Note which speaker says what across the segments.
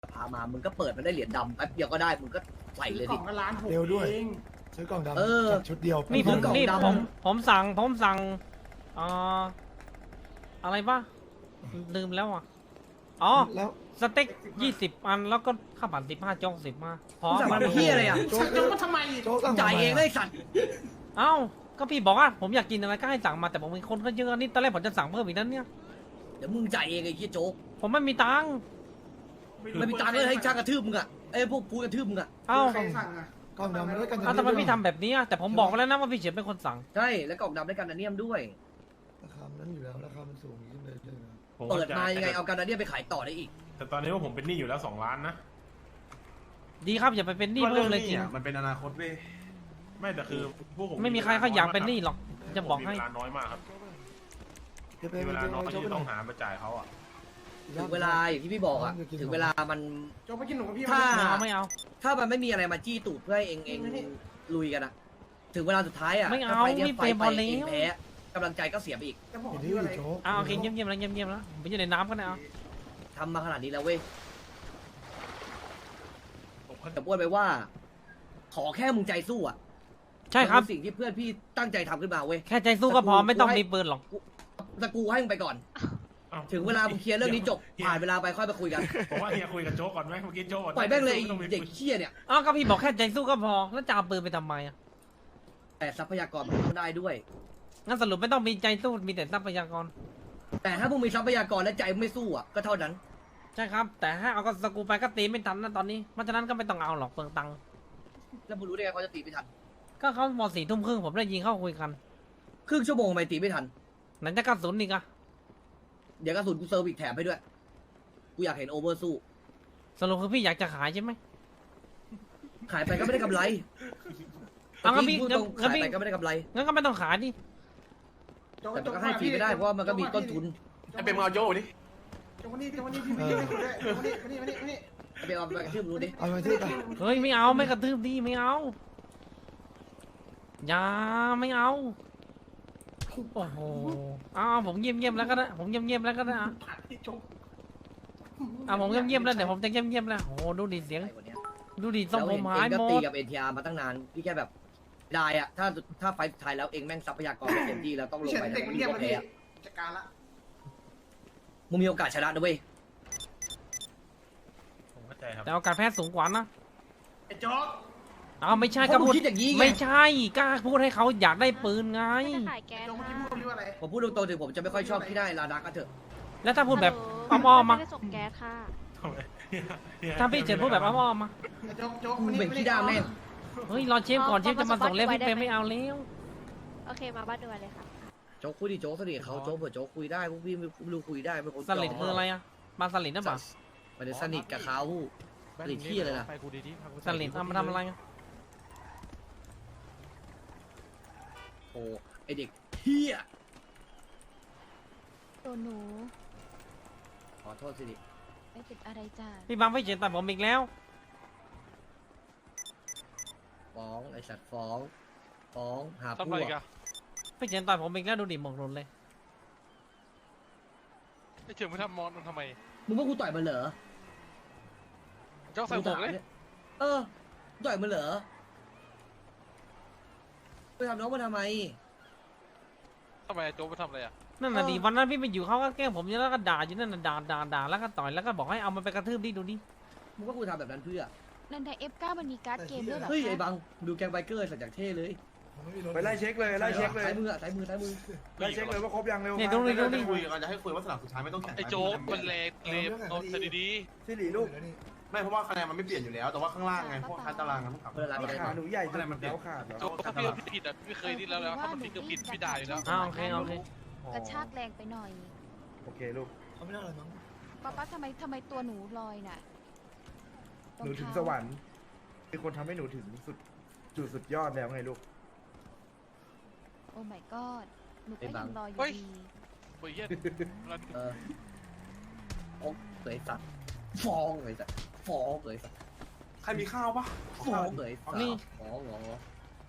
Speaker 1: พามามึงก็เปิดมาได้เหรียญดำแป๊บเดียวก็ได้มึงก็ใส่เลย
Speaker 2: กล่
Speaker 1: ดิ
Speaker 2: องก็ล้านหก
Speaker 3: เร็วด้วย
Speaker 2: เอง
Speaker 3: ซื้อกล่องดำ
Speaker 1: เออ
Speaker 3: จัดชุดเดียว
Speaker 4: นี่ผม
Speaker 1: กล่อง
Speaker 4: นี่
Speaker 1: ดำ
Speaker 4: ผมสั่งอะไรวะลืมแล้วอ่ะอ๋อ
Speaker 3: แล้ว
Speaker 4: สเต็ก20 อันแล้วก็ข้าวผัด15โจ๊ก10มาพอ
Speaker 1: มึงสั่งมาเป็นเฮียอะไรอ่ะ
Speaker 2: ชักโจ๊กมาทำไม
Speaker 3: โจ๊กสั่ง
Speaker 1: จ่ายเอง
Speaker 3: ทำไม
Speaker 1: ได้
Speaker 3: อะ
Speaker 1: สัตว์
Speaker 4: เอ้าก็พี่บอกว่าผมอยากกินอะไรก็ให้สั่งมาแต่ผมมีคนก็เยอะนี่ตอนแรกผมจะสั่งเพิ่มอีกนั่นเนี่ย
Speaker 1: เดี๋ยวมึงจ่ายเองไอ้เฮียโจ๊ก
Speaker 4: ผมไม่มีตังค์
Speaker 1: ไม่มีตังค์เลยให้ช่างกระทืบมึงอ่ะไอ้พวกกูกระทืบมึงอ่ะ
Speaker 4: เอ้า
Speaker 2: ใครสั่งอ่ะ
Speaker 3: กล่องดำมันด้วยกัน
Speaker 4: ทำไมพี่ทำแบบนี้อะแต่ผมบอกไปแล้วนะว่าพี่เฉียบเป็นคนสั่ง
Speaker 1: ใช่แล้วกล่องดำได้กันนาเนียมด้วย
Speaker 3: ราคามันนั้นอยู่แล้วราคามันสูงขึ้นเลยๆนะ
Speaker 5: ผม
Speaker 1: เปิด
Speaker 5: เข้ใจ
Speaker 1: มายังไงเอากันนาเนียมไปขายต่อได้อีก
Speaker 5: แต่ตอนนี้ว่าผมเป็นหนี้อยู่แล้ว2 ล้านนะ
Speaker 4: ดีครับอย่าไปเป็นหนี้เพิ่มเลยจริง
Speaker 6: มันเป็นอนาคตเว้ย
Speaker 5: ไม่แต่คือพวกผม
Speaker 4: ไม่มีใครเขาอยากเป็นหนี้หรอกจะบอกให้
Speaker 5: มีเวลาน้อยมากครับ
Speaker 3: เดี๋ยวไป
Speaker 5: มีเวลาน้อย
Speaker 3: โจ๊ก
Speaker 5: ที่
Speaker 3: ไปหน่
Speaker 5: ต้
Speaker 3: อ
Speaker 5: อย งหามาจ่ายเขาอ่ะ
Speaker 1: ถึงเวลาอย่างที่พี่บอกอ่ะถึงเวลามัน
Speaker 2: โจ๊กไปกินหนูกับพี่
Speaker 1: ถ้า
Speaker 4: ไม่เอา
Speaker 1: ถ้ามันไม่มีอะไรมาจี้ตูดเพื่อให้เองลุยกันอะถึงเวลาสุดท้ายอะ
Speaker 4: ไม่เอา
Speaker 1: ถ้ฟนี่ย
Speaker 4: ไม่เป็น
Speaker 1: ไฟ
Speaker 4: พอแล้ว
Speaker 1: เองแพ้กำลังใจก็เสียไปอีก
Speaker 2: จะบอก
Speaker 3: เดี๋ยว
Speaker 2: พี่อะไร
Speaker 3: โจ๊ก
Speaker 4: เอาโอเคเยี่ยมๆแล้วเยี่ยมๆแล้วผมอยู่ในน้ำก็ได้เอา
Speaker 1: ทำมาขนาดนี้แล้วเว้ย
Speaker 5: ผมก็
Speaker 1: แต่พูดไปว่า ขอแค่มึงใจสู้อะ
Speaker 4: ใช่ครับ
Speaker 1: มันเป็นสิ่งที่เพื่อนพี่ตั้งใจทำขึ้นมาเว้ย
Speaker 4: แค่ใจสู้ก็พอไม่ต้องมีปืนหรอก
Speaker 1: แต่กูให้มึงไปก่อน
Speaker 5: อ้
Speaker 1: ถึงเวลามึงเคลียร์เรื่องนี้จบผ่านเวลาไปค่อยไปคุยกัน
Speaker 5: ผมว่าเฮียคุยกับโจ๊กก่อนไหมเมื่อกี้โจ๊ก
Speaker 1: ปล่อยแม่งเลยไอ้
Speaker 5: ไม่ต้องมี
Speaker 1: เด็กเชี่ยเนี่ย
Speaker 4: อ้าวก็พี่บอกแค่ใจสู้ก็พอแล้วจะเอาปืนไปทำไมอ่ะ
Speaker 1: แต่ทรัพยากรมันต้องได้ด้วย
Speaker 4: งั้นสรุปไม่ต้องมีใจสู้มีแต่ทรัพยากร
Speaker 1: แต่ถ้ามึงมีทรัพยากรและใจมึงไม่สู้อะก็เท่านั้น
Speaker 4: ใช่ครับ แต่ถ้าเอาก็สกรูไปก็ตีไม่ทันนะตอนนี้เพราะฉะนั้นก็ไม่ต้องเอาหรอกเปลืองตังค์
Speaker 1: แล้วมึงรู้ได้ไงเขาจะตีไม่ทัน
Speaker 4: ก็เขาหมด4 ทุ่มครึ่งผมได้ยิงเข้าคุยกัน
Speaker 1: ครึ่งชั่วโมงทำไมตีไม่ทัน
Speaker 4: ไหนจะกระสุนอีกอะ
Speaker 1: เดี๋ยวกระสุนกูเซอร์วิสแถมให้ด้วย กูอยากเห็นโอเวอร์สู้
Speaker 4: สรุปคือพี่อยากจะขายใช่ไหม
Speaker 1: ขายไปก็ไม่ได้กำไร
Speaker 4: เอางั้นพี่
Speaker 1: พูดตรง
Speaker 4: งั้น
Speaker 1: ขาย
Speaker 4: พี่
Speaker 1: ไปก็ไม่ได้กำไร
Speaker 4: งั้นก็ไม่ต้องขายดิ
Speaker 2: โจ๊ก
Speaker 1: แต่มันก็ให้ฟรีไม่ได้เพราะว่ามันก็มีต้นทุน
Speaker 6: ไอ้เป็นมึงเอาโจ้ดิ
Speaker 2: โจ๊กวันนี้พี่ไม่ได้คุยด้วยวันนี้
Speaker 1: ไปเอาไปกระทืบรู้ดิ
Speaker 3: เอาไปที่ไป
Speaker 4: เฮ้ยไม่เอาไม่กระทืบดิไม่เอาอย่าไม่เอาโอ้โหเอาผมเงียบๆแล้วก็ได้ผมเงียบๆแล้วก็ได้อะ
Speaker 2: ผ่านที่โจ๊ก
Speaker 4: ผมเงียบๆแล้วเดี๋ยวผมจะเงียบๆแล้วโอ้โหดูดิเสียง
Speaker 1: ไอ้คนเนี้ย
Speaker 4: ดูดิทรง
Speaker 1: แล้ว
Speaker 4: ผ
Speaker 1: เห็
Speaker 4: ม
Speaker 1: นเองก็
Speaker 4: หายหม
Speaker 1: ตี
Speaker 4: ด
Speaker 1: กับเอ็นทีอาร์มาตั้งนาน พี่แค่แบบได้อะถ้าไฟสุดท้ายแล้วเองแม่งทรัพยากรไม่เต็มที่แล้วต้องลง
Speaker 2: เฉียด
Speaker 1: ไป
Speaker 2: เด็กมัน
Speaker 1: มี
Speaker 2: เงียบ
Speaker 1: โอ
Speaker 2: มา
Speaker 1: เค
Speaker 2: พี่
Speaker 1: อะ
Speaker 2: จัดการละ
Speaker 1: มึงมีโอกาสชนะนะเว้ย
Speaker 5: ผมเข้าใจครับ
Speaker 4: แต่โอกาสแพ้สูงกว่านะ
Speaker 2: ไอ้โจ๊ก
Speaker 4: เอาไม่ใช่
Speaker 1: เพ
Speaker 4: ก็
Speaker 1: ราะมึง
Speaker 4: พูด
Speaker 1: คิดอย่างนี้ไง
Speaker 4: ไม่ใช่กล้าพูดให้เขาอยากได้ปืนไง
Speaker 7: ไม่ได้ขายแก๊ส
Speaker 2: โจ๊กเมื่อกี้
Speaker 7: ค่ะ
Speaker 2: พูดเรื่องอะไร
Speaker 1: ผมพูดตรงๆถึงผมจะไม่ค่อยชอบที่ได้ลาดักก็เถอะ
Speaker 4: แล้วถ้าพูดแบบ
Speaker 7: ฮัลโหล
Speaker 4: อ้อมๆมา
Speaker 7: ไม่ได้ส่งแก๊สค่ะ
Speaker 5: ทำไมเฮีย
Speaker 4: ถ้าพี่เฉินพูดแบบอ้อมๆมา
Speaker 2: ไอ้โจ๊ก
Speaker 1: มึงเป็นขี้ด้าแม่ง
Speaker 4: เฮ้ยรอเชฟก่อนเชฟจะมาส่งเล่มพี่เฟรมไม่เอาแล้ว
Speaker 7: โอเคมาบ้านด่วนเลยค่ะ
Speaker 1: โจ๊กคุยดิโจ๊กสนิทเขาโจ๊กเผื่อโจ๊กคุยได้พวกพี่ไม่รู้คุยได้ไม่คน
Speaker 4: สลิดคืออะไรอะมาสลิดนะบ่า
Speaker 1: มันจะสนิทกับเขาสนิทที่เลยนะ
Speaker 5: ไปกูดีๆพากู
Speaker 4: สลิดเอามาทำอะไรอะ
Speaker 1: โอ้ไอเด็กเฮีย
Speaker 7: ตัวหนู
Speaker 1: ขอโทษสิดิ
Speaker 7: ไม่เป็นอะไรจ้า
Speaker 4: พี่บังพี่เฉินตัดผมอีกแล้ว
Speaker 1: ฟ้องไอสัตว์ฟ้องหาพ
Speaker 8: ทำ
Speaker 1: ว
Speaker 8: ไร
Speaker 1: ก
Speaker 8: กัน
Speaker 4: พี่เฉินตัดผมอีกแล้วดูดิหมกหลุนเลย
Speaker 8: ไอ้เฉิงไม่ทำมอนมันทำไม
Speaker 1: มึงว่ากูต่อยมันเหรอ
Speaker 8: เจ้าใส่หมวกเลย
Speaker 1: เออกูต่อยมันเหรอไปทำน้องมันทำไม
Speaker 8: ทำไมโจ๊กไปทำอะไรอ่ะ
Speaker 4: นั่นน่ะ
Speaker 1: เออ
Speaker 4: ดิวันนั้นพี่ไปอยู่เขาก็แกล้งผมอยู่แล้วก็ด่าอยู่นั่นน่ะด่าแล้วก็ต่อยแล้วก็บอกให้เอามันไปกระทืบดิดูดิ
Speaker 1: มึงว่ากูทำแบบนั้นเพื่อ
Speaker 7: นันได F9 มันมีการ์ดเกมด้วยเหรอ
Speaker 1: เฮ้ย
Speaker 7: คะ
Speaker 1: ไอ้บังดูแกงไบเกอร์สัตว์จากเท่เลย
Speaker 3: ผมไม่มีรถ
Speaker 6: ไปไล่เช็คเลยไล่เช็คเลย
Speaker 1: ซ้ายมืออะซ้ายมือ
Speaker 6: ไล่เช็คเลยว่าครบยังเร็ว
Speaker 4: เนี่ยดูดิดูดิ
Speaker 6: จะคุยกันจะให้คุยว่าสนามสุดท้ายไม่ต้องแข่ง
Speaker 8: ไอ้โจ๊กมันเลมโดนใส่ดี
Speaker 6: สิริลูก
Speaker 3: แล้วนี่
Speaker 6: ไม่เพราะว่าคะแนนมันไม่เปลี่ยนอยู่แล้วแต่ว่าข้างล่างไงพวกคันตารางกันต้องกลับ
Speaker 1: เวลาไปได้
Speaker 6: ขาหนูใหญ่จนแล้วขาด
Speaker 8: ๆโจ๊กถ้าพี่ผิดอ่ะพี่เคยนี่แล้วถ้ามันผิดก็ผิดพี่ด่าอยู่แล้ว
Speaker 4: โอเค
Speaker 7: กระชากแรงไปหน่อย
Speaker 6: โอเคลูก
Speaker 3: เขาไม่ได้อะไรมั้ง
Speaker 7: ป้าทำไมตัวหนูลอยน่ะ
Speaker 6: หนูถึงสวรรค์มีคนทำให้หนูถึงจุดสุดยอดแล้วไงลูก
Speaker 7: โอ้ my god หนูก็
Speaker 1: ไอ้บั
Speaker 7: ยัง งรออยู่ดี
Speaker 8: เฮ้ยเหี้ย
Speaker 1: เออโอ้เลยสัตว์ฟ้องเลยสัตว์ฟ้องเลยสัตว์
Speaker 6: ใครมีข้าวปะ
Speaker 1: ฟ้องเลยสัตว์
Speaker 4: นี่
Speaker 1: ฟ้องเหรอ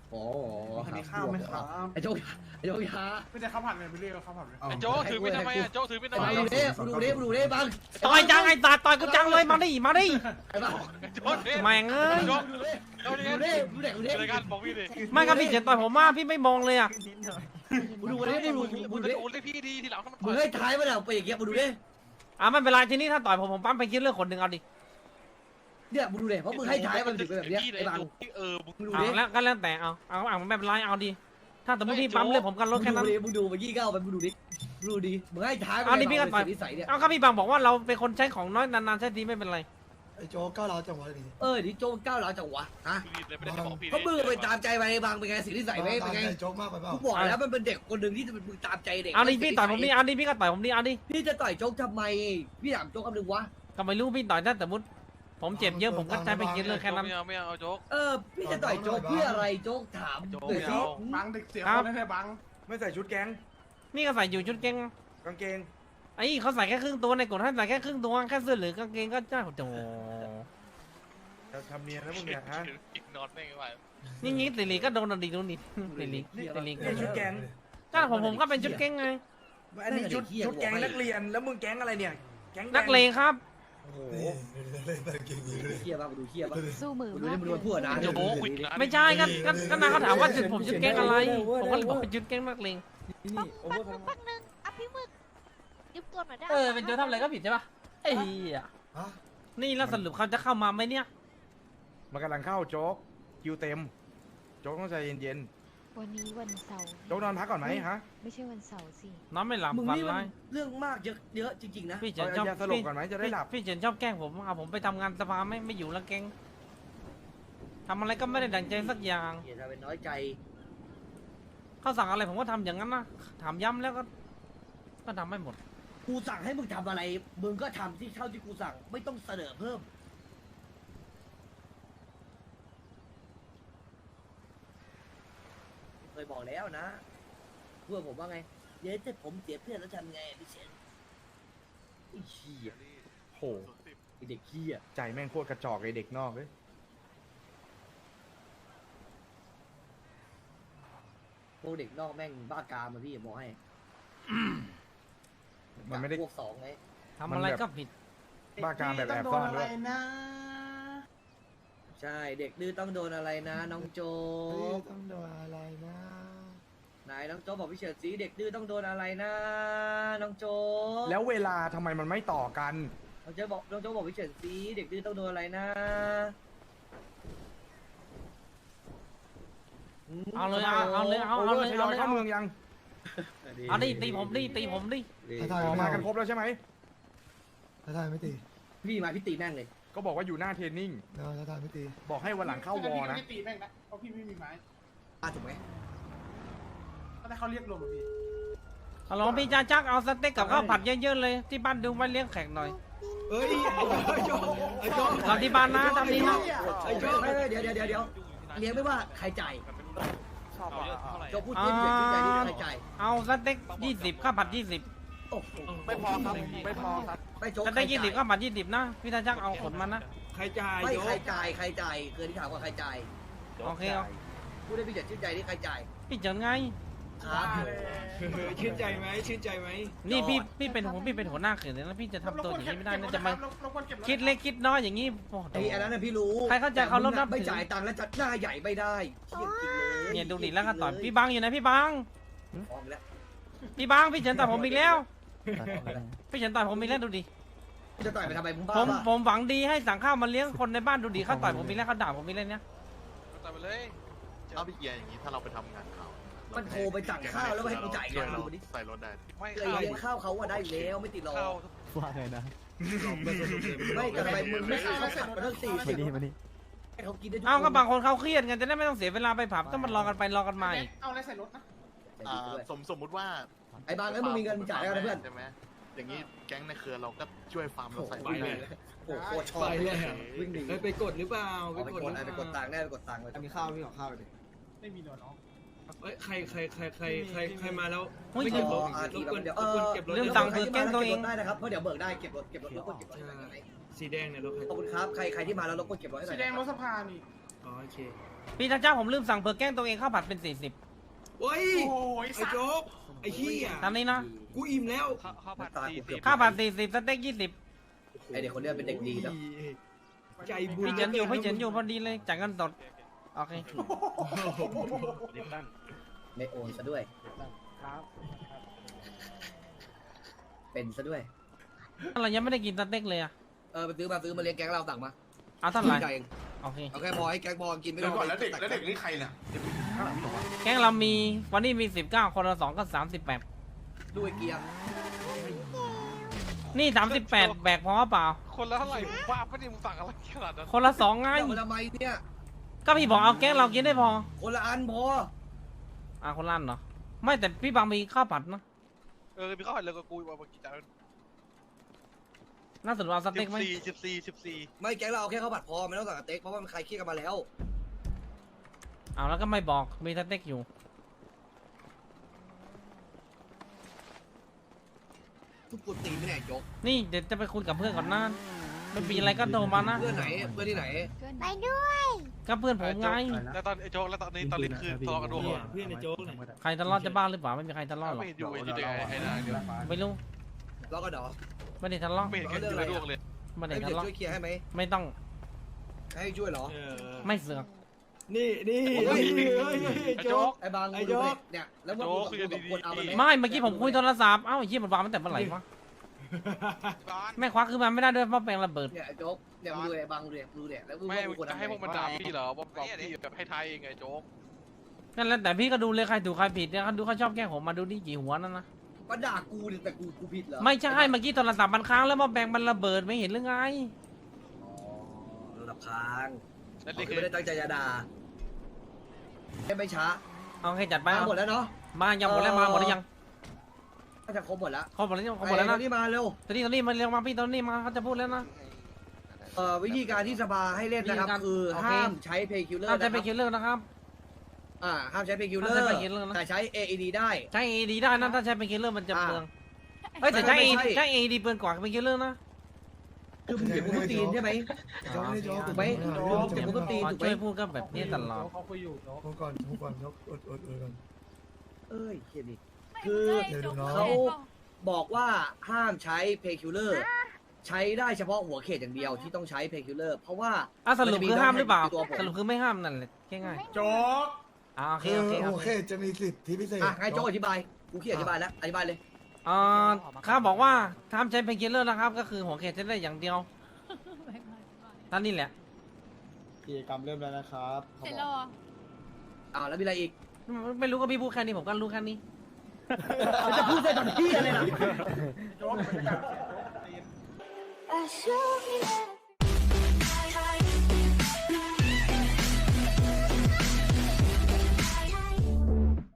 Speaker 1: อ๋อ
Speaker 2: อันนี้ข้าวไหมครับ
Speaker 1: ไอ้โจ๊กไอ้โจ๊กยา
Speaker 2: ไม่ใช่ข้าวผัดเลยไม่เรียกข้าวผัดเลย
Speaker 8: ไอ้โจ๊กถือมีดทำไมอ่ะโจ๊กถือมีดทำไม
Speaker 1: ไอ้บังดูดิบัง
Speaker 4: ต่อยจังไอ้ตาต่อยกูจังเลยมาดิมาดิ
Speaker 1: ไอ้บัง
Speaker 8: โจ๊กเด็
Speaker 4: แม่งเอ้ย
Speaker 8: โจ๊กโจ๊ก
Speaker 1: ดู
Speaker 8: นี่
Speaker 1: ดิดูดิดูดิ
Speaker 8: รายการบอกพี่ดิ
Speaker 4: ไม่ครับพี่เฉินต่อยผมมากพี่ไม่มองเลยอ่ะ
Speaker 1: ดูดิดู
Speaker 8: มึง
Speaker 1: ดิ
Speaker 8: จะโอนให้พี่ดีทีหลังถ้ามัน
Speaker 1: มึงให้ท้ายมาแล้วไปอย่างเงี้ยมึงดูดิ
Speaker 4: ไม่เป็นไรทีนี้ถ้าต่อยผมปั๊มไปคิดเรื่องคนหนึ่งเอาดิ
Speaker 1: เนี่ยมึงดูดิเพราะมึงให้ท้ายมันถึงเป็นแบบเนี้ยไอ้บัง
Speaker 8: มึง
Speaker 1: มึงดู
Speaker 4: เอา
Speaker 1: ดิ
Speaker 4: แล้วก็แล้วแต่เอาไม่เป็นไรเอาดิถ้าสมมติพี่ปั๊มเรื่องผมกันรถแค่นั้น
Speaker 1: มึงดูไปยี่เก้าไปมึงดูดิดูดิมึงให้ท้าย
Speaker 4: เอาดิพี่ก็ต่อย
Speaker 1: นิสัยเนี่ย
Speaker 4: เอาก็พี่บางบอกว่าเราเป็นคนใช้ของน้อยนานๆใช้ทีไม่เป็นไร
Speaker 3: ไอ้โจ๊กก้าวร้าวจังหวะนี้
Speaker 1: ดิโจ๊กก้าวหลังจังวะฮะ
Speaker 8: เลยไม่ได้บอกพี่
Speaker 1: เพราะมึงไปตามใจไปบางเป็นไงสิ่งที่ใส่ไว้เป็นไง
Speaker 3: โจ๊กมากไปเปล่า
Speaker 1: กูบอกแล้วมันเป็นเด็กคนหนึ่งที่มึงตามใจเด็ก
Speaker 4: เอาดิพี่ต่อยผมดิเอาดิพี่ก็ต่อยผมดิเอาดิ
Speaker 1: พี่จะต่อยโจ๊กทำไมพี่ถามโจ๊กคำหนึ่งวะ
Speaker 4: ก็ไม่รู้พี่ต่อยถ้าสมมติผมเจ็บเยอะผมก็ใช้ไปคิดเรื่องแค่นั้น
Speaker 8: ไม่เอาโจ๊ก
Speaker 1: พี่จะต่อยโจ๊กเพื่ออะไรโจ๊กถาม
Speaker 8: โจ๊ก
Speaker 1: หน่อยสิ
Speaker 2: บังเด็กเสียคนนั่นแหละบัง
Speaker 6: ไม่ใส่ชุดแก๊ง
Speaker 4: นี่ก็ใส่อยู่ชุดเก่ง
Speaker 6: กางเกง
Speaker 4: ไอ้เขาใส่แค่ครึ่งตัวในกฎให้ใส่แค่ครึ่งตัวแค่เสื้อหรือกางเกงก็ได้โอ้โห
Speaker 6: จะทำเนียนแล้วมึงเนี่ยฮะ
Speaker 8: นอนไม่ไหว
Speaker 4: นี่งี้สิริก็โดนดิโดนดิสิริสิริ
Speaker 6: นี่ชุดแก๊ง
Speaker 4: ก็ผมก็เป็นชุดเก่งไง
Speaker 6: อันนี้ชุดแก๊งนักเรียนแล้วมึงแก๊งอะไรเนี่ยแก๊ง
Speaker 4: นักเลงครับ
Speaker 6: โอ้โห
Speaker 3: เก่งเลย
Speaker 1: เฮียบ้างดูเฮียบ้าง
Speaker 7: สู้มือ
Speaker 1: ดู
Speaker 7: มา
Speaker 1: นี่
Speaker 7: ก
Speaker 1: มันดูพูดนะ
Speaker 8: โจ๊กคุย
Speaker 4: ไม่ใช่ก็นางเขาถามว่าผมชุดเก่งอะไรผมก็เลยบอกเป็นชุดเก่งนักเลง
Speaker 7: แป๊บนึงอ่ะพี่มึกยืมตัวหน่อยได้
Speaker 4: เป็นโจทำอะไรก็ผิดใช่ปะไอ้เหี้ย
Speaker 3: ฮะ
Speaker 4: นี่แล้วสรุปเขาจะเข้ามาไหมเนี่ย
Speaker 6: มันกำลังเข้าโจ๊กคิวเต็ม โจ๊กต้องใจเย็น
Speaker 7: วันนี้วันเสาร์
Speaker 6: ๆโจ๊กนอนพักก่อนไหมฮะ
Speaker 7: ไม่ใช่วันเสาร์สิ
Speaker 4: น้องไม่หลับ
Speaker 1: มึง
Speaker 4: ฝัน
Speaker 1: นี่มั
Speaker 4: ร้าน ย
Speaker 1: เรื่องมากเยอะจริงๆนะ
Speaker 4: พี่เฉิ
Speaker 6: เอา
Speaker 4: นชอบ
Speaker 6: ยาสลบก่อนไหมจะได้หลับ
Speaker 4: พี่เฉินชอบแกล้งผมเอาผมไปทำงานสภาไม่อยู่แล้วเก่งทำอะไรก็ไม่ได้ดั่งใจสักอย่าง
Speaker 1: อย่าทำเป็นน้อยใจ
Speaker 4: เขาสั่งอะไรผมก็ทำอย่างนั้นนะถามย้ำแล้วก็ทำไม่หมด
Speaker 1: กูสั่งให้มึงทำอะไรมึงก็ทำที่เท่าที่กูสั่งไม่ต้องเสนอเพิ่มเคยบอกแล้วนะเพื่อนผมว่าไงเดี๋ยวถ้าผมเสียเพื่อนแล้วทำไงพี่เชนไอ้เหี้ย
Speaker 6: โห
Speaker 1: ไอ้เด็กเหี้ย
Speaker 6: ใจแม่งโคตรกระจอกไอเด็กนอกเลย
Speaker 1: พวกเด็กนอกแม่งบ้ากามมาพี่บอกให้
Speaker 6: มันไม่ได้
Speaker 1: พวกสองไง
Speaker 4: ทำอะไรก็ผิด
Speaker 6: บ้ากามแบบแอบซ่อนด้วย
Speaker 1: ใช่เด็กดื้อต้องโดนอะไรนะน้องโจ๊
Speaker 3: ต้องโดนอะไรนะ
Speaker 1: ไหนน้องโจ๊กบอกพี่เฉิดสีเด็กดื้อต้องโดนอะไรนะน้องโจ๊ก
Speaker 6: แล้วเวลาทำไมมันไม่ต่อกัน
Speaker 1: น้องโจ๊กบอกพี่เฉิดสีเด็กดื้อต้องโดนอะไรนะ
Speaker 4: เอาเลยเอาเลยเอา
Speaker 6: โอ
Speaker 4: เอา
Speaker 6: เวอ
Speaker 4: เลย
Speaker 6: ร์ทย
Speaker 4: เอา
Speaker 6: อย
Speaker 4: เลย
Speaker 6: เข้าเมืองยัง
Speaker 4: เอาดิตีผมดิตีผมดิ
Speaker 3: ถ้า
Speaker 6: ออก
Speaker 3: ทาย
Speaker 6: มา
Speaker 3: ไม่
Speaker 6: กันคร
Speaker 3: เอา
Speaker 6: บแล้วใช่ไหม
Speaker 3: ถ้าทายไม่ตี
Speaker 1: พี่มาพี่ตีแม่งเลย
Speaker 6: ก็บอกว่าอยู่หน้าเทรนนิ่ง
Speaker 3: ถ้าทายไม่ตี
Speaker 6: บอกให้วันหลังเข้าวอนะ
Speaker 2: พี่ตีแม่งนะเพราะพี่ไม่มีไม้
Speaker 1: ถูกไหม
Speaker 2: ก็ได้เขาเรียกรวมพี่
Speaker 4: เอาลองพี่จ้าจักเอาสเต็กกับข้าวผัดเยอะๆเลยที่บ้านดูไว้เลี้ยงแขกหน่อย
Speaker 3: เฮ้ยไอ้โจ๊กไอ้โจ๊ก
Speaker 4: เราที่บ้านนะทำดีนะ
Speaker 1: เดี๋ยวเลี้ยงไม่ว่าใครจ่าย
Speaker 8: เอาเยอะเท่าไหร่
Speaker 1: โจ๊กพูดเพี้ยนพี่เฉิดชื่อใจนี่ใครจ่าย
Speaker 4: เอาสเต็ก20ข้าวผัด20
Speaker 1: โอ้โห
Speaker 6: ไม่พอครับ ไม่พอครับ
Speaker 1: ไม่โจ๊ก
Speaker 4: สเต็ก20ข้าวผัด20นะพี่จ้าจักเอาขนมานะ
Speaker 6: ใครจ่าย
Speaker 1: ไม่ใครจ่ายเคยที่ถามว่าใครจ่าย
Speaker 4: โอเคเอา
Speaker 1: พูดได้พี่เฉิดชื่อใจนี่ใครจ่าย
Speaker 4: พี่เฉินไง
Speaker 1: ครับ
Speaker 6: ชื่นใจไหมชื่นใจไหม
Speaker 4: นี่พี่เป็นหัวหน้าเขินเลยแล้วพี่จะทำตัวอย่างนี้ไม่ได้นะจะมา
Speaker 2: เราควรเก็บ
Speaker 4: คิดเล็กคิดน้อยอย่างนี้โอ้โห
Speaker 1: ไอ้อันนั้นน่ะพี่รู้
Speaker 4: ใครเข้าใจเขารพนับถือ
Speaker 1: ไม่จ่ายตังค์แล้วจัดหน้าใหญ่ไม่ได้เที่ยงจริงเลย
Speaker 4: เนี่ยดูดิแล้วก็ต่อยพี่บังอยู่ไหนพี่บัง
Speaker 1: ฟ้องแล้ว
Speaker 4: พี่บังพี่เฉินต่อยผมอีกแล้ว
Speaker 1: ฟ้องแล้ว
Speaker 4: พี่เฉินต่อยผมอีกแล้วดูดิ
Speaker 1: จะต่อยไปทำไมมึงบ้า
Speaker 4: ผม
Speaker 1: ป่ะ
Speaker 4: ผมหวังดีให้สั่งข้าวมาเลี้ยงคนในบ้านดูดิเขาต่อยผมอีกแล้วเขาด่าผมอีกแล้วเนี่ย
Speaker 8: ต่อไปเลย
Speaker 9: เอาพี่เกียร์อย่างนี้ถ้าเราไปทำงานข่าว
Speaker 1: มันโทรไปสั่งข้าวแล้วไม่ให้กูจ่ายเงิน
Speaker 9: เรา
Speaker 1: ดูดิ
Speaker 9: ใส่รถได้
Speaker 8: ไม่
Speaker 1: เลี้ยงข้าวเขาว่าได้อยู่แล้วไม่ติดหรอก
Speaker 8: เข้า
Speaker 3: ว่าไงนะ
Speaker 1: ไม่แต่ทำไมมึงไม่เอาขัดมาตั้ง40ให้เขากินได้ทุก
Speaker 4: เอาก็บางคนเขาเครียดกันจะได้ไม่ต้องเสียเวลาไปผับต้องมารอกันไปรอกันมาอีก
Speaker 2: เอาอะไรใส่รถนะ
Speaker 9: สมมุติว่า
Speaker 1: ไอ้บางแล้วมึงมีเงินจ่ายแล้วนะเพื่อน
Speaker 9: ใช่ไหมอย่างนี้แก๊งในเครือเราก็ช่วยฟาร์มเราใส่ร
Speaker 1: โอ้
Speaker 9: ถ
Speaker 1: โห
Speaker 9: ได้
Speaker 1: โอ้โหโคตรชอบเลยวิ่งหนี
Speaker 6: ไปกดหรือเปล่า
Speaker 1: ไปกดตังค์ได้ไปกดตังค์เลย
Speaker 6: มีข้าวมีของข้าวดิ
Speaker 2: ไม่มีหนวดน้อง
Speaker 6: ใครมาแล้ว
Speaker 4: เฮ้ย
Speaker 1: เดี๋ยว
Speaker 4: เรื่องตังค์คือแกล้งตัวเอง
Speaker 1: ได้นะครับเพราะเดี๋ยวเบิกได้เก็บรถรบกวนเก็บรถให้หน่อย
Speaker 6: สีแดงเนี่ยรถ
Speaker 1: ขอบคุณครับใครที่มาแล้วรบกวนเก็บรถให้หน่
Speaker 2: สี
Speaker 1: อย
Speaker 2: แดงรถสภานี่
Speaker 3: อ๋อโอเค
Speaker 4: พี่เจ้าผมลืมสั่งเผือกแกล้งตัวเองข้าวผัดเป็น40
Speaker 3: โอ้ยไอ้โจ๊กไอ้ขี้อ่ะ
Speaker 4: ตามนี้นะ
Speaker 3: กูอิ่มแล้ว
Speaker 8: ข้าวผัด40
Speaker 4: ข้าวผัด40สเต็ก20
Speaker 1: ไอเด็กคนเนี้ยเป็นเด็กดีนะ
Speaker 3: ใจบุญ
Speaker 4: พี่เฉินอยู่พอดีเลยจ่ายเงินสดโอเค
Speaker 1: ไม่โอนซะด้วยเป็นซะด้วย
Speaker 4: เรายังไม่ได้กินสเต็กเลยอะ
Speaker 1: ไปซื้อมาเลี้ยงแก๊งเราสั่งมา
Speaker 4: เอาเท่าไหร่
Speaker 1: จ่ายเอง
Speaker 4: โอเค
Speaker 1: เอาแค่พอให้แก๊งพอกินไม่
Speaker 9: เดี๋
Speaker 1: ต้
Speaker 9: ย
Speaker 1: อ
Speaker 9: ว
Speaker 1: ง
Speaker 9: ก่อนแล้วเด็กนี่ใครเนี่ย
Speaker 4: แกงเรามีวันนี้มี19คนละ2ก็38
Speaker 1: ดูไอ้เกียร์
Speaker 4: นี่38แบกพอเปล่า
Speaker 8: คนละเท่าไหร่บ้าปะเนี่ยมึงสั่งอะไรขนาดนั้น
Speaker 4: คนละ2ไง
Speaker 1: เอาทำไมเนี่ย
Speaker 4: ก็พี่บอกเอาแกงเรากินได้พอ
Speaker 1: คนละอันพอ
Speaker 4: คนละอันเหรอไม่แต่พี่บางมีข้าวผัดนะ
Speaker 8: มีข้าวผัดเลยกับกูมากี่จาน
Speaker 4: น่าสนใจเอาสเต็กไหม
Speaker 8: 14
Speaker 1: ไม่แก๊งเราเอาแค่ข้าวผัดพอไม่ต้องสั่งสเต็กเพราะว่ามันใครเครียดกันมาแล้ว
Speaker 4: เอาแล้วก็ไม่บอกมีสเต็กอยู่
Speaker 1: ทุกคนตีไม่แน่ยก
Speaker 4: นี่เดี๋ยวจะไปคุยกับเพื่อนก่อนนะไม่มีอะไรก็โทรมานะ
Speaker 1: เพื่อนไหนเพื่อนที่ไหน
Speaker 7: ไปด้วย
Speaker 4: ก็เพื่อนผมไง
Speaker 8: แล้วตอนไอ้โจ๊กแล้วตอนนี้คือทะเลาะกันด้วย
Speaker 3: เพื่อนในโจ๊กเนี่ย
Speaker 4: ใครทะเลาะจะบ้าหรือเปล่าไม่มีใครทะเลาะหรอก
Speaker 8: ไม่เห็นอยู่ไอ้เด็กไอ้นางเดียว
Speaker 4: ไม่รู้
Speaker 1: เราก็เดอ
Speaker 4: ไม่ได้ทะเลาะ
Speaker 8: ไม่เห็นกันอยู่ในดวงเลย
Speaker 4: ไม่ได้
Speaker 1: ให้
Speaker 4: ทะ
Speaker 1: เดี๋ยว
Speaker 4: เลาะ
Speaker 1: ช่วยเคลียร์ให้ไหม
Speaker 4: ไม่ต้อง
Speaker 1: ให้ช่วยเหรอ
Speaker 4: ไม่เสือก
Speaker 3: นี่โจ๊ก
Speaker 1: ไอ้บาง
Speaker 3: ไอ้โจ๊ก
Speaker 1: เนี่ยแล้วว่ากูกับคนเอามันไหม
Speaker 4: ไม่เมื่อกี้ผมคุยโทรศัพท์เอ้าไอ้เหี้ยมันวางตั้งแต่เมื่อไหร่วะแม่ควักคือมันไม่ได้ด้วยเพราะแปลงระเบิด
Speaker 1: เนี่ยไอ้โจ๊กเนี่ยมึงดูไอ้บางดูเนี่ยแล้วมึง
Speaker 8: ไม่
Speaker 1: ว่ากูควร
Speaker 8: จะ
Speaker 1: ทำ
Speaker 8: ให้พวกมันด่า
Speaker 1: ไง
Speaker 8: พี่เหรอว่าบอกพี่แบบให้ทายเองไงโจ๊ก
Speaker 4: นั่นแหละแต่พี่ก็ดูเลยใครถูกใครผิดเนี่ยเขาดูเขาชอบแกล้งผมมาดูนี่กี่หัวนั่นนะ
Speaker 1: ก็ด่ากูเนี่ยแต่กูผิดเหรอ
Speaker 4: ไม่ใช่เมื่อกี้โทรศัพท์มันค้างแล้วมาแบ่งมันระเบิดไม่เห็นหรือไง
Speaker 1: อ๋อระดับค้าง
Speaker 8: นั่น
Speaker 1: เขา
Speaker 8: คือ
Speaker 1: ไม่ได้ตั้งใจจะด่าไม่ช้า
Speaker 4: เอาให้จัดไป
Speaker 1: มาหมดแล้วเนาะ
Speaker 4: มายังหมดแล้วมาหมดหรือยัง
Speaker 1: น่าจะครบหมดแล้ว
Speaker 4: เขาหมดแล้วเขาหมดแล้วนะ
Speaker 1: นี่มาเร็ว
Speaker 4: ตอนนี้มันเรียกมาพี่ตอนนี้มาเขาจะพูดแล้วนะ
Speaker 1: วิธีการที่สภาให้เล่นนะครับ
Speaker 4: วิธีการ
Speaker 1: คือ
Speaker 4: โอเค
Speaker 1: ห้ามใช้เพย์คิลเลอร์
Speaker 4: ห้ามใช้
Speaker 1: นะ
Speaker 4: ไป
Speaker 1: ครับ
Speaker 4: คิลเลอร์นะครับ
Speaker 1: ห้ามใช้เพย์คิลเลอ
Speaker 4: ห้ามใช้
Speaker 1: ร์
Speaker 4: painkiller นะ
Speaker 1: แต่ใช้ AED ได้
Speaker 4: ใช้ AED ได้นะถ้าใช้ไปคิลเลอร์มันจะ
Speaker 1: อ่า
Speaker 4: เปลืองเอ้ยแต่ใช้
Speaker 1: ไม่
Speaker 4: AED
Speaker 1: ใช่
Speaker 4: ใช้ AED เปลืองกว่าไปคิลเลอร์นะ
Speaker 1: คือมึงเจ็บกูตีนใช่ไหม
Speaker 3: โจ๊กไม่ได้โจ๊ก
Speaker 1: ถูกไหมเจ็บกูตีน
Speaker 4: ขอ
Speaker 1: ถูกไหม
Speaker 4: ช่วยพูดก็แบบนี้ตลอด
Speaker 3: พูดก่อนโจ๊กอดก่อน
Speaker 1: เอ้ยเฮียนี่คือ
Speaker 3: เดี๋ยวดูน้อง
Speaker 1: เขาบอกว่าห้ามใช้เพย์คิลเลอร์ใช้ได้เฉพาะหัวเขตอย่างเดียวที่ต้องใช้เพย์คิลเลอร์เพราะว่า
Speaker 4: สรุปคือห้ามหรือเปล่า
Speaker 1: ตัวผม
Speaker 4: สรุปคือไม่ห้ามนั่นแหละง่าย
Speaker 9: โจ๊ก
Speaker 4: ๆโอเคโอเคโอ
Speaker 3: โอ
Speaker 4: เค
Speaker 3: เคจะมีสิทธิพิเศษ
Speaker 1: ให้โจ้อธิบายกูขี้อธิบายแล้วอธิบายเลย
Speaker 4: เขาบอกว่าห้ามใช้เพนคิลเลอร์นะครับ ก็คือหัวเขตจะได้อย่างเดียวท่านนี่แหละ
Speaker 2: กิจกรรมเริ่มแล้วนะครับ
Speaker 7: เสร็จแล้วเหรอ
Speaker 1: แล้วมีอะไรอีก
Speaker 4: ไม่รู้ก็พี่พูดแค่นี้ผมก็รู้แค่นี้
Speaker 1: จะพูดได้ตอนที่อะไรล่ะ
Speaker 2: โจ๊กบรรยากาศ
Speaker 7: I show you that